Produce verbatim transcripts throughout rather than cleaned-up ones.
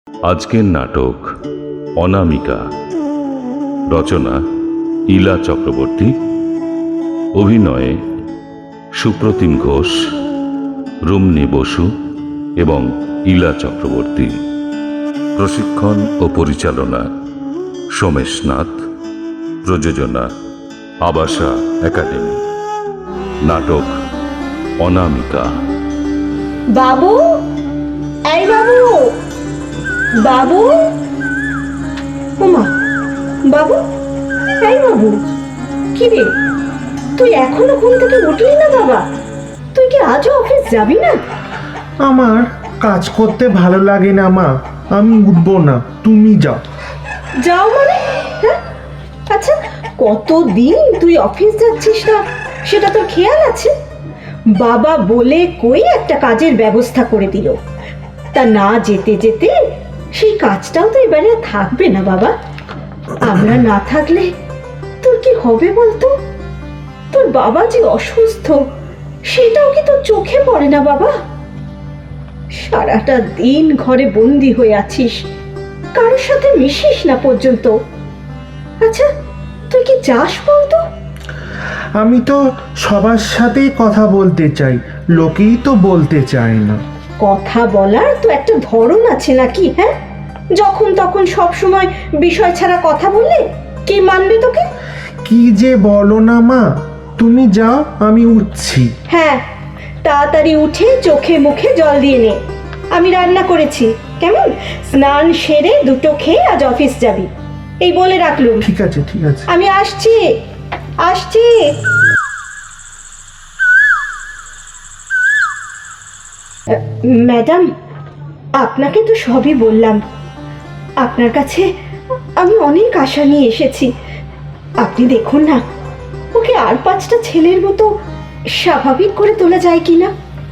আজকের নাটক অনামিকা, রচনা ইলা চক্রবর্তী, অভিনয়ে সুপ্রতিম ঘোষ, রুমনি বসু এবং ইলা চক্রবর্তী, প্রশিক্ষণ ও পরিচালনা সোমেশ নাথ, প্রযোজনা আবাসা একাডেমি। নাটক অনামিকা। বাবু, এই বাবু, বাবু, ওমা, বাবু, এই বাবু, কি রে, তুই এখনো ঘুম থেকে উঠলি না বাবা? তুই কি আজও অফিস যাবি না? আমার কাজ করতে ভালো লাগে না মা, আমি উঠবো না, তুমি যাও। যাও মানে? হ্যাঁ, আচ্ছা, কতদিন তুই অফিস যাচ্ছিস না সেটা তোর খেয়াল আছে? বাবা বলে কই একটা কাজের ব্যবস্থা করে দিল, তা না যেতে যেতে সেই কাজটাও তো এবারে আর থাকবে না বাবা। আমরা না থাকলে তোর কি হবে বলতো? তোর বাবা যে অসুস্থ সেটাও কি তোর চোখে পড়ে না বাবা? সারাটা দিন ঘরে বন্দি হয়ে আছিস, কারোর সাথে মিশিস না পর্যন্ত। আচ্ছা, তুই কি যাস বলতো? আমি তো সবার সাথেই কথা বলতে চাই, লোকেই তো বলতে চায় না। কথা বলার তো একটা ধরন আছে নাকি? হ্যাঁ, যখন তখন সব সময় বিষয় ছাড়া কথা বললে কে মানবে তোকে? কি যে বলো না মা, তুমি যাও, আমি উঠছি। হ্যাঁ, তাড়াতাড়ি উঠে চোখে মুখে জল দিয়ে নে। আমি রান্না করেছি, কেমন? স্নান সেরে দুটো খেয়ে আজ অফিস যাবি, এই বলে রাখলুম। ঠিক আছে, ঠিক আছে। আমি আসছি, আসছি। ম্যাডাম, আপনাকে তো সবই বললাম। আপনার কাছে আমি অনেক আশা নিয়ে এসেছি। আপনি দেখুন না, ওকে আর পাঁচটা ছেলের মতো স্বাভাবিক করে তোলা যায় কিনা।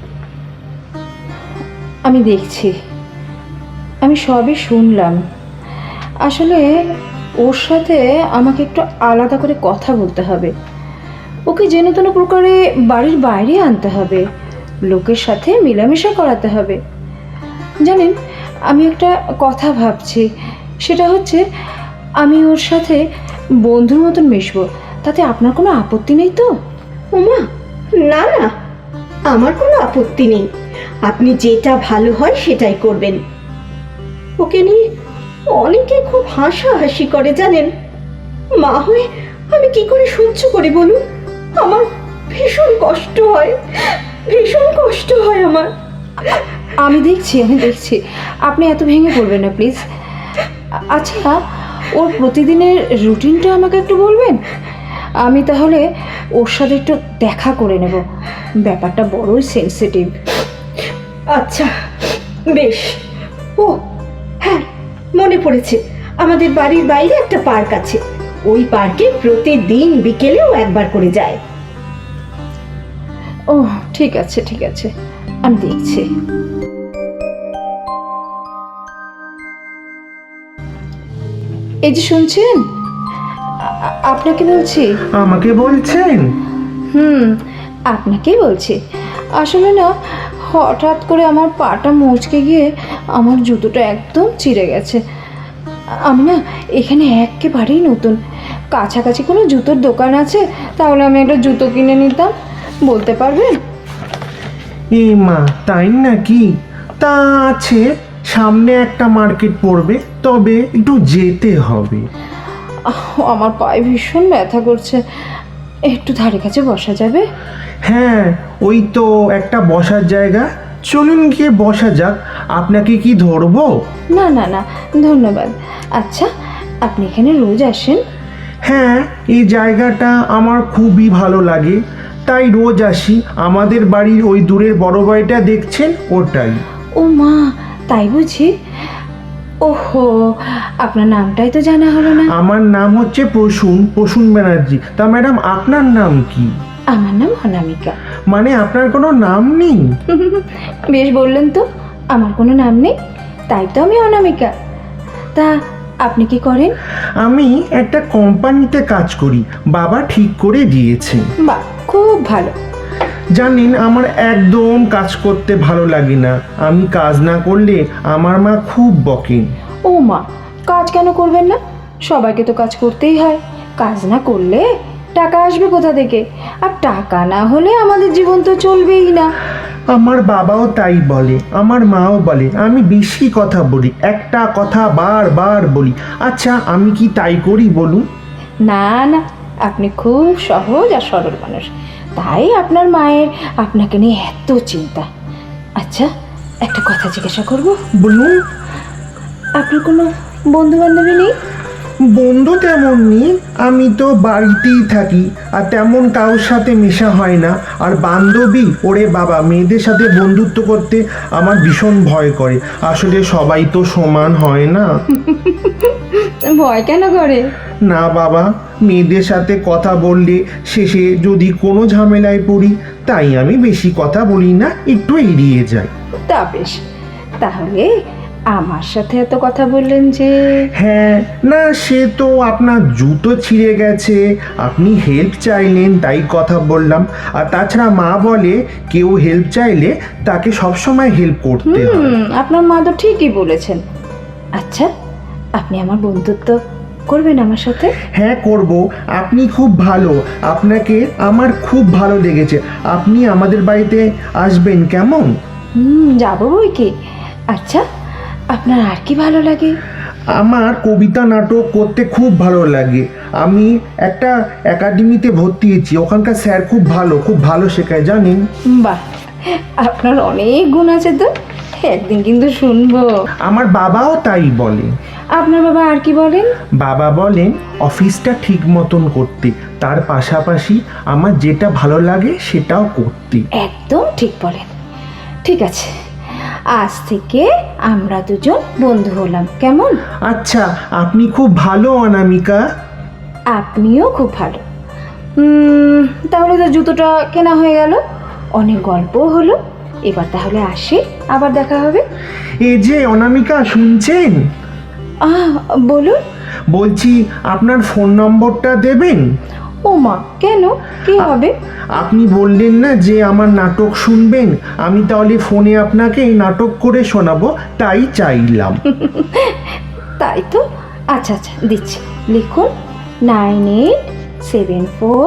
আমি দেখছি, আমি সবই শুনলাম। আসলে ওর সাথে আমাকে একটু আলাদা করে কথা বলতে হবে। ওকে যেন তেন প্রকারে বাড়ির বাইরে আনতে হবে, লোকের সাথে মেলামেশা করাতে হবে। জানেন, আমি একটা কথা ভাবছি, সেটা হচ্ছে আমি ওর সাথে বন্ধুর মতন মিশবো। তাতে আপনার কোনো আপত্তি নেই তো? ওমা, না না, আমার কোনো আপত্তি নেই। আপনি যেটা ভালো হয় সেটাই করবেন। ওকে নিয়ে অনেকে খুব হাসাহাসি করে জানেন। মা হয়ে আমি কি করে সহ্য করি বলুন? আমার ভীষণ কষ্ট হয়, ভীষণ কষ্ট হয় আমার। আমি দেখছি, আমি দেখছি, আপনি এত ভেঙে পড়বেন না প্লিজ। আচ্ছা, ওর প্রতিদিনের রুটিনটা আমাকে একটু বলবেন? আমি তাহলে ওর সাথে একটু দেখা করে নেব। ব্যাপারটা বড়ই সেন্সিটিভ। আচ্ছা, বেশ। ও হ্যাঁ, মনে পড়েছে, আমাদের বাড়ির বাইরে একটা পার্ক আছে। ওই পার্কে প্রতিদিন বিকেলেও একবার করে যায়। ও ঠিক আছে, ঠিক আছে, আমি দেখছি। এই যে শুনছেন, আ- আপনাকে বলছি। আমাকে বলছেন? হুম, আপনাকেই বলছি। আসলে না, হঠাৎ করে আমার পাটা মুচকে গিয়ে আমার জুতোটা একদম চিড়ে গেছে। আমি না এখানে একেবারেই নতুন। কাছাকাছি কোনো জুতোর দোকান আছে? তাহলে আমি একটা জুতো কিনে নিতাম, বলতে পারবেন? এ মা, তাই নাকি? তা আছে, সামনে একটা মার্কেট পড়বে, তবে একটু যেতে হবে। আহ, আমার পায়ে ভীষণ ব্যথা করছে, একটু ধারে কাছে বসা যাবে? হ্যাঁ, ওই তো একটা বসার জায়গা, চলুন গিয়ে বসা যাক। আপনাকে কি ধরবো? না না না, ধন্যবাদ। আচ্ছা, আপনি এখানে রোজ আসেন? হ্যাঁ, এই জায়গাটা আমার খুবই ভালো লাগে, তাই রোজ আসি। আমাদের বাড়ির ওই দূরের বড় বাড়িটা দেখছেন, ওটাই। ও মা, তাই বুঝি? ওহো, আপনার নামটাই তো জানা হলো না। আমার নাম হচ্ছে প্রসূন, প্রসূন ব্যানার্জি। তা ম্যাডাম, আপনার নাম কি? আমার নাম অনামিকা। মানে আপনার কোনো নাম নেই? বেশ বললেন তো, আমার কোনো নাম নেই, তাই তো আমি অনামিকা। তা আপনি কি করেন? আমি একটা কোম্পানিতে কাজ করি, বাবা ঠিক করে দিয়েছে। বাহ, খুব ভালো। জানেন আমার একদম কাজ করতে ভালো লাগে না, আমি কাজ না করলে আমার মা খুব বকেন। ও মা, কাজ কেন করবেন না? সবাইকে তো কাজ করতেই হয়। কাজ না করলে টাকা আসবে কোথা থেকে? আর টাকা না হলে আমাদের জীবন তো চলবেই না। আমার বাবাও তাই বলে, আমার মাও বলে আমি বেশি কথা বলি, একটা কথা বারবার বলি। আচ্ছা আমি কি তাই করি বলুন? না না, আপনি খুব সহজ আর সরল মানুষ, তাই আপনার মায়ের আপনাকে নিয়ে এত চিন্তা। আচ্ছা, একটা কথা জিজ্ঞাসা করব, বলুন। আপনার কোনো বন্ধু বান্ধবী নেই? বন্ধু তেমন নেই, আমি তো বাড়িতেই থাকি আর তেমন কারোর সাথে মেশা হয় না। আর বান্ধবী, ওরে বাবা, মেয়েদের সাথে বন্ধুত্ব করতে আমার ভীষণ ভয় করে। আসলে সবাই তো সমান হয় না। ভয় কেন করে? না বাবা, মেয়েদের সাথে কথা বললে শেষে যদি কোনো ঝামেলায় পড়ি, তাই আমি বেশি কথা বলি না, একটু এড়িয়ে যাই। তা বেশ, তাহলে আমার সাথে এত কথা বললেন যে? হ্যাঁ, না সে তো আপনার জুতো ছিঁড়ে গেছে, আপনি হেল্প চাইলেন তাই কথা বললাম। আর তাছাড়া মা বলে কেউ হেল্প চাইলে তাকে সবসময় হেল্প করতে হয়। হুম, আপনার মা তো ঠিকই বলেছেন। আচ্ছা, আপনি আমার বন্ধুত্ব করবেন আমার সাথে? হ্যাঁ করব, আপনি খুব ভালো, আপনাকে আমার খুব ভালো লেগেছে। আপনি আমাদের বাড়িতে আসবেন কেমন? হুম, যাবো বই কি। আচ্ছা, আপনার আর কি ভালো লাগে? আমার কবিতা নাটক করতে খুব ভালো লাগে। আমি একটা একাডেমিতে ভর্তি হয়েছি, ওখানকার স্যার খুব ভালো, খুব ভালো শেখায় জানেন। বাহ, আপনার অনেক গুণ আছে তো, একদিন কিন্তু শুনবো। আমার বাবাও তাই বলে। আপনার বাবা আর কি বলেন? বাবা বলেন অফিসটা ঠিক মতন করতে, তার পাশাপাশি আমার যেটা ভালো লাগে সেটাও করতে। একদম ঠিক বলেন। ঠিক আছে, আজ থেকে আমরা দুজন বন্ধু হলাম, কেমন? আচ্ছা, আপনি খুব ভালো অনামিকা। আপনিও খুব ভালো। উম, তাহলে তো জুতোটা কেনা হয়ে গেল, অনেক গল্পও হলো। এবার তাহলে আসি, আবার দেখা হবে। এই যে অনামিকা, শুনছেন? আহ, বলুন। বলছি আপনার ফোন নম্বরটা দেবেন? ও মা, কেন, কি হবে? আপনি বললেন না যে আমার নাটক শুনবেন, আমি তাহলে ফোনে আপনাকে নাটক করে শোনাবো, তাই চাইলাম। তাই তো। আচ্ছা আচ্ছা, দিচ্ছি, লিখুন নাইন এইট সেভেন ফোর।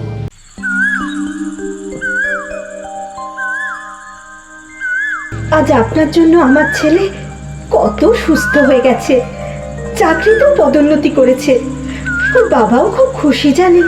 আজ আপনার জন্য আমার ছেলে কত সুস্থ হয়ে গেছে, চাকরিতেও পদোন্নতি করেছে, ওর বাবাও খুব খুশি জানেন।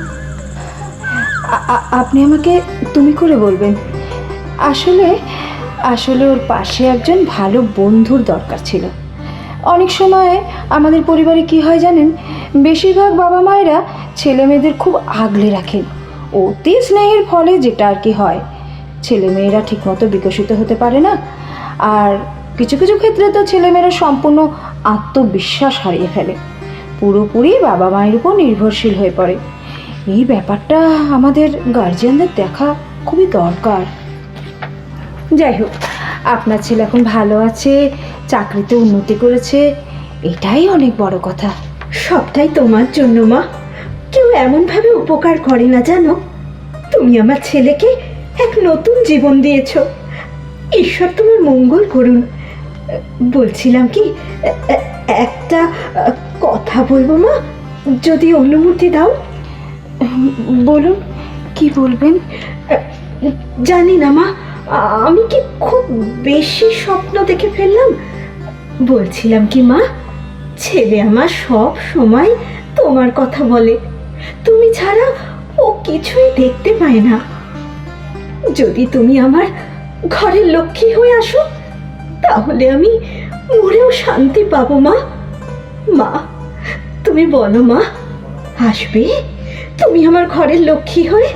আপনি আমাকে তুমি করে বলবেন। আসলে আসলে ওর পাশে একজন ভালো বন্ধুর দরকার ছিল। অনেক সময় আমাদের পরিবারে কি হয় জানেন, বেশিরভাগ বাবা মায়েরা ছেলে মেয়েদের খুব আগলে রাখেন। অতি স্নেহের ফলে যেটা আর কি হয়, ছেলে মেয়েরা ঠিকমতো বিকশিত হতে পারে না। আর কিছু কিছু ক্ষেত্রে তো ছেলেমেয়েরা সম্পূর্ণ আত্মবিশ্বাস হারিয়ে ফেলে, পুরোপুরি বাবা মায়ের উপর নির্ভরশীল হয়ে পড়ে। এই ব্যাপারটা আমাদের গার্জিয়ানদের দেখা খুবই দরকার। যাই হোক, আপনার ছেলে এখন ভালো আছে, চাকরিতে উন্নতি করেছে, এটাই অনেক বড় কথা। সবটাই তোমার জন্য মা, কেউ এমনভাবে উপকার করে না জানো। তুমি আমার ছেলেকে এক নতুন জীবন দিয়েছো, ঈশ্বর তোমার মঙ্গল করুন। বলছিলাম কি, এ- এ- একটা আহ, কথা বলবো মা, যদি অনুমতি দাও। বলুন, কি বলবেন? জানি না মা, আমি কি খুব বেশি স্বপ্ন দেখে ফেললাম? বলছিলাম কি মা, ছেলে আমার সব সময় তোমার কথা বলে, তুমি ছাড়া ও কিছুই দেখতে পায় না। যদি তুমি আমার ঘরের লক্ষ্মী হয়ে আসো, তাহলে আমি মরেও শান্তি পাবো মা। মা, তুমি বলো মা, আসবে তুমি আমার ঘরের লক্ষ্মী হয়ে?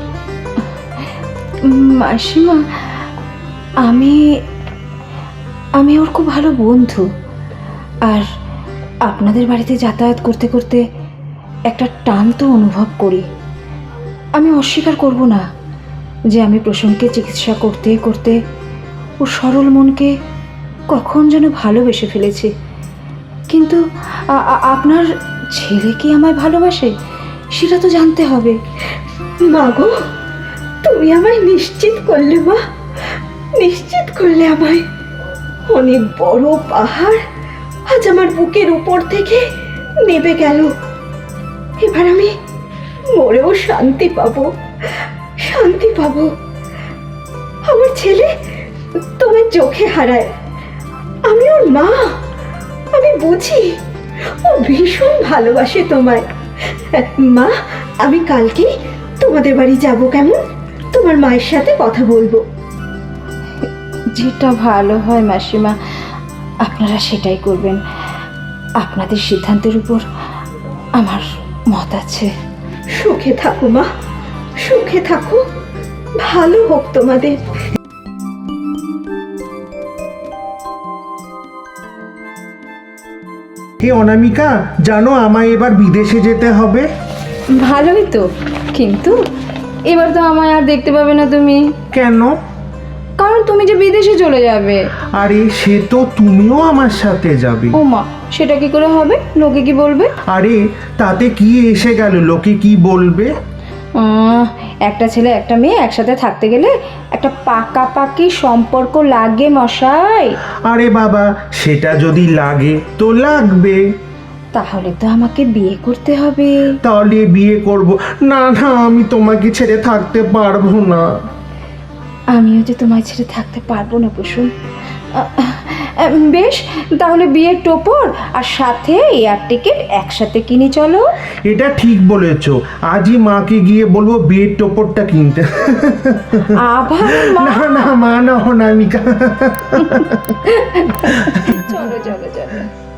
মাসিমা, আমি আমি ওর খুব ভালো বন্ধু। আর আপনাদের বাড়িতে যাতায়াত করতে করতে একটা টান তো অনুভব করি। আমি অস্বীকার করব না যে আমি প্রসূনকে চিকিৎসা করতে করতে ওর সরল মনকে কখন যেন ভালোবেসে ফেলেছি। কিন্তু আ- আ- আপনার ছেলে কি আমায় ভালোবাসে, সেটা তো জানতে হবে। মা গো, তুমি আমায় নিশ্চিত করলে মা, নিশ্চিত করলে আমায়। অনেক বড় পাহাড় আজ আমার বুকের উপর থেকে নেমে গেল। এবার আমি মরেও শান্তি পাবো, শান্তি পাবো। আমার ছেলে তোমার চোখে হারায়, আমি ওর মা, আমি বুঝি ও ভীষণ ভালোবাসে তোমায়। মা, আমি কালকেই তোমাদের বাড়ি যাব, কেমন? তোমার মায়ের সাথে কথা বলবো। যেটা ভালো হয় মাসিমা, আপনারা সেটাই করবেন। আপনাদের সিদ্ধান্তের উপর আমার মত আছে। সুখে থাকো মা, সুখে থাকো, ভালো হোক তোমাদের। হে অনামিকা, জানো আমায় এবার বিদেশে যেতে হবে। ভালোই তো, কিন্তু এবার তো আমায় আর দেখতে পাবে না তুমি, কেন? কারণ তুমি যে বিদেশে চলে যাবে। আরে সে তো তুমিও আমার সাথে যাবে। ও মা, সেটা কি করে হবে? লোকে কি বলবে? আরে তাতে কি এসে গেল, লোকে কি বলবে? আহ, একটা ছেলে একটা মেয়ে একসাথে থাকতে গেলে একটা পাকাপাকি সম্পর্ক লাগে মশাই। আরে বাবা, সেটা যদি লাগে তো লাগবে। তাহলে তো আমাকে বিয়ে করতে হবে। তাহলে বিয়ে করব। না না, আমি তোমাকে ছেড়ে থাকতে পারবো না। আমিও যে তোমায় ছেড়ে থাকতে পারবো না কুসুম। আহ, আহ, বেশ, তাহলে বিয়ের টোপর আর সাথে এয়ার টিকিট একসাথে কিনে চলো। এটা ঠিক বলেছো, আজই মাকে গিয়ে বলবো বিয়ের টোপরটা কিনতে। আবার মা? না না মা, না অনামিকা। চলো চলো চলো।